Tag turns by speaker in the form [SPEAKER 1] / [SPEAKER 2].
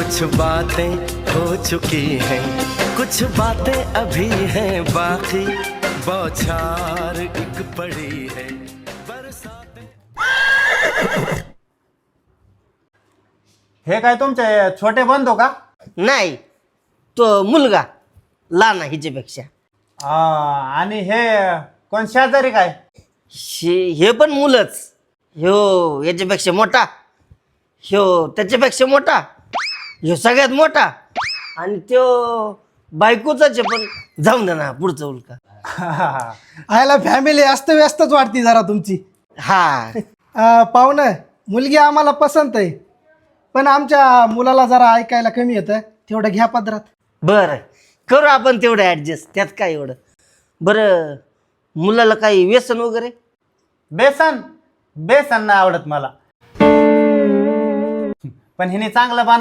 [SPEAKER 1] कुछ बातें हो चुकी हैं, कुछ बातें अभी हैं बाकी, बौछार एक पड़ी है बरसात।
[SPEAKER 2] हे काय तुमचे छोटे बंधू का?
[SPEAKER 3] नाही, तो मुलगा लहान आहे हिच्यापेक्षा.
[SPEAKER 2] आणि हे कोण शेजारी काय?
[SPEAKER 3] हे पण मुलंच. ह्यो याच्यापेक्षा मोठा, ह्यो त्याच्यापेक्षा मोठा, ह्यो सगळ्यात मोठा, आणि त्यो बायकोचाच आहे. पण जाऊन दे ना, पुढचं उलका.
[SPEAKER 4] आयला फॅमिली व्यस्तच वाटते जरा तुमची.
[SPEAKER 3] हा,
[SPEAKER 4] पाहुणं, मुलगी आम्हाला पसंत आहे, पण आमच्या मुलाला जरा ऐकायला कमी येतं, तेवढं घ्या पदरात.
[SPEAKER 3] बरं करू आपण तेवढं ॲडजस्ट, त्यात काय एवढं. बरं, मुलाला काही व्यसन वगैरे?
[SPEAKER 2] बेसन बेसन नाही आवडत मला, पण हिने चांगलं